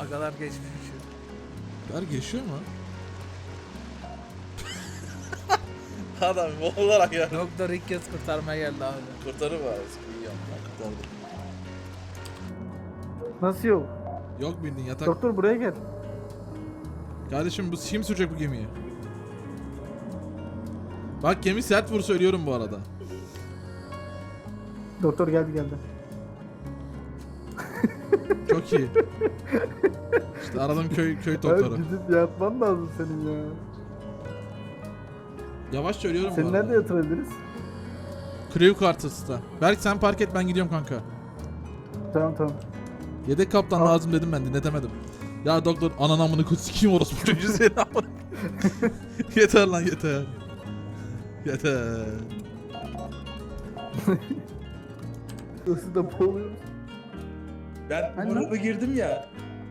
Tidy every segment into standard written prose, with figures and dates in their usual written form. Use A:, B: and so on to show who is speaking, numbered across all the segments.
A: Agalar geçmiş.
B: Berk yaşıyor mu?
C: Adam olarak ya.
A: Doktor ilk kez kurtarmaya geldi abi.
C: Kurtarır var. İyi yapma. Kurtardı.
D: Nasıl yok?
B: Yok bildin yatak.
D: Doktor buraya gel.
B: Kardeşim bu kim sürecek bu gemiyi? Bak gemi sert vur söylüyorum bu arada.
D: Doktor geldi.
B: Çok iyi. İşte aradım köy
D: Abi
B: doktoru.
D: gidip yatman lazım senin ya.
B: Yavaş söylüyorum bu
D: Seni
B: arada.
D: nerede yatırabiliriz?
B: Crew Quarters'ta. Berk sen park et ben gidiyorum kanka.
D: Tamam.
B: Yedek kaptan
D: Tamam.
B: lazım dedim ben dinletemedim. Ya doktor anan amını kut sikiyim orospu çocuğu seni amına. Yeter lan yeter. Yeter.
D: Isı da boğuluyoruz.
C: Ben
D: Hani
C: gruba girdim ya.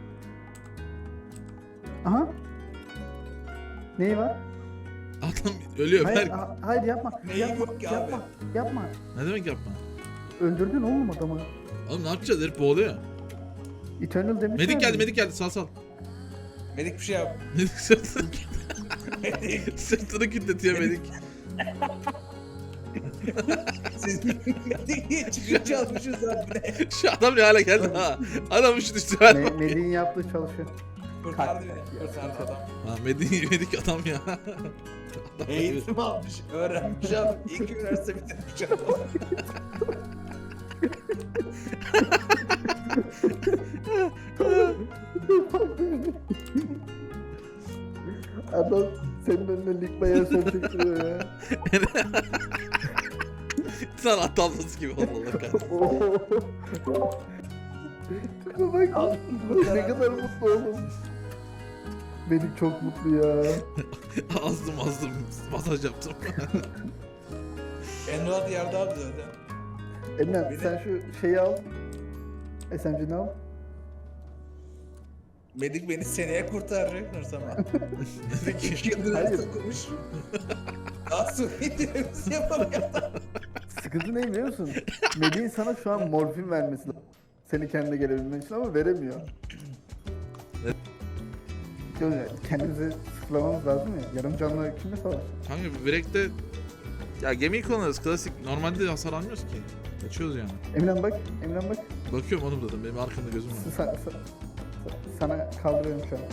D: Aha. Neyi var?
B: Adam ölüyor
D: Hayır,
B: Berk.
D: hayır yapma.
C: Neyi
D: yapma,
C: yok ki abi?
D: Yapma.
B: Ne demek yapma?
D: Öldürdün oğlum adamı.
B: Oğlum ne yapacağız herif boğuluyor.
D: Eternal demiş.
B: Medik geldi sal.
C: Medik bir şey yap.
B: Medik sırtını
C: Medik.
B: sırtını kütletiyor medik.
C: Siz Medik niye çıkıyor çalmışız abi ne?
B: Şu adam ne hale geldi ha. Adam şu düştü hale.
D: Medik'in yaptığı çalışıyor.
C: Kurtardı beni. Kurtardı adam.
B: Ha medik adam ya.
C: Eğitim almış, öğrenmiş abi. İlk üniversite bitirmiş adam.
D: Adam senin önüne lig bayağı son çektiriyor ya.
B: Sen at tablası gibi oldu Allah kahretsin.
D: Şuna bak. Ne kadar mutlu oğlum. Medik çok mutlu ya.
B: azdım masaj yaptım.
C: Enrad yardı abi zaten.
D: Emre sen şu şeyi al. SMG'ni al.
C: Medik beni seneye kurtaracak Nursama.
B: Dedi ki
C: 2 yıldır
D: Hayır.
C: okumuş. Daha sonra indirimizi yapamıyor.
D: Sıkıntı ne biliyor musun? Medik'in sana şu an morfin vermesi lazım. Seni kendine gelebilmen için ama veremiyor. Kendimizi sıfırlamamız lazım ya. Yarım canlı kimle savaş?
B: kanka Break'te ya gemiyi kullanırız klasik. Normalde hasar almıyoruz ki. Geçiyoruz yani.
D: Emren bak.
B: Bakıyorum oğlum dedim benim arkamda gözüm var.
D: Sana kaldırıyorum şu an.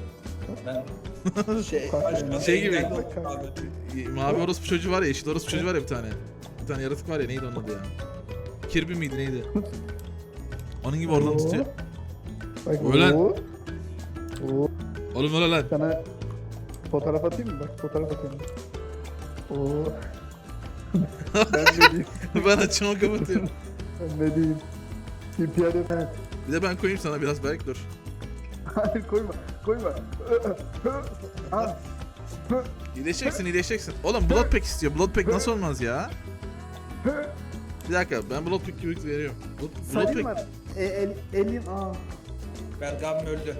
C: Ben
D: Kalk
B: Şey gibi.
C: engel oldum abi.
B: Mavi orospu çocuğu var ya, yeşil orospu çocuğu var ya bir tane. Bir tane yaratık var ya neydi onun adı ya? Kirby miydi neydi? Onun gibi oradan tutuyor.
D: Bak,
B: Ölen.
D: Oo.
B: Oğlum öyle lan.
D: Sana fotoğraf atayım mı? Bak fotoğraf atıyorum. Oo. Ben ne diyeyim?
B: Ben açımı kapatıyorum.
D: Ben ne diyeyim? TPR evet.
B: Bir de ben koyayım sana biraz belki dur.
D: Hayır koyma. Ha.
B: İyileşeceksin. Oğlum Bloodpack istiyor. Bloodpack nasıl olmaz ya? Bir dakika ben Bloodpack gibi veriyorum.
D: Salim
B: Bloodpack.
D: var. Elin
C: Berk abim öldü.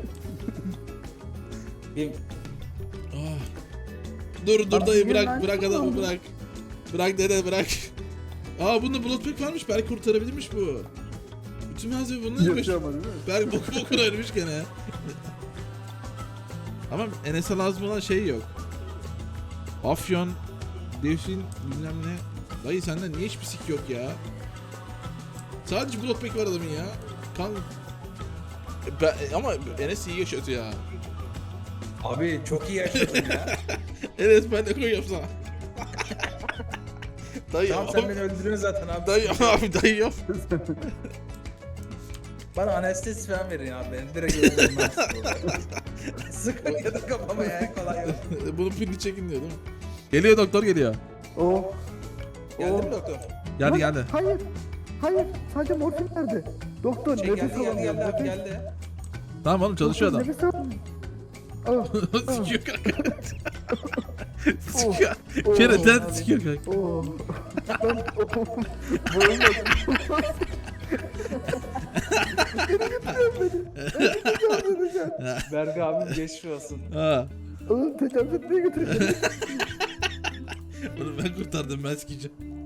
C: Bir
B: Ah. Dur
D: Abi
B: dayı
D: niye lan?
B: bırak adamı bırak. Bırak dede bırak. Aa bunda Bloodpack varmış belki kurtarabilirmiş bu. Bütün malzeme bununla yemiş.
D: Yapıyor ama değil mi?
B: Belki bokuna ölmüş gene. Ama Enes'e lazım olan şey yok. Afyon, Devşin, bilmem ne. Dayı sende niye hiçbir sik yok ya? Sadece Bloodpack var adamın ya. Ama Enes iyi yaşatı ya.
C: Abi çok iyi yaşadın ya.
B: Enes ben de koyuyorum sana. Dayı
C: Tamam sen beni öldürüyorsun zaten abi.
B: dayı yap.
C: Bana anestezi falan verin abi. Beni direkt öldürmez. Sıkın ya da kafama ya kolay yok.
B: Bunun pilini çekin diyor değil mi? Geliyor doktor geliyor.
D: Oh.
C: Geldi mi doktor?
B: Geldi
D: Lan,
B: geldi.
D: Hayır. Sadece morfin nerede? Doktor
C: Şey
D: nefes
C: geldi
D: alamıyor.
C: abi geldi.
B: Tamam oğlum çalışıyor adam.
D: Nefes alamıyor. Ah.
B: Sikiyor kanka. Sikiyor. Kereten sikiyor kanka.
D: Oh. Ben boğulmadım.
C: Berk abim geçmiş olsun.
B: Ha.
D: Oğlum tecavüz etmeye götürüyor.
B: Oğlum ben kurtardım ben sikeceğim.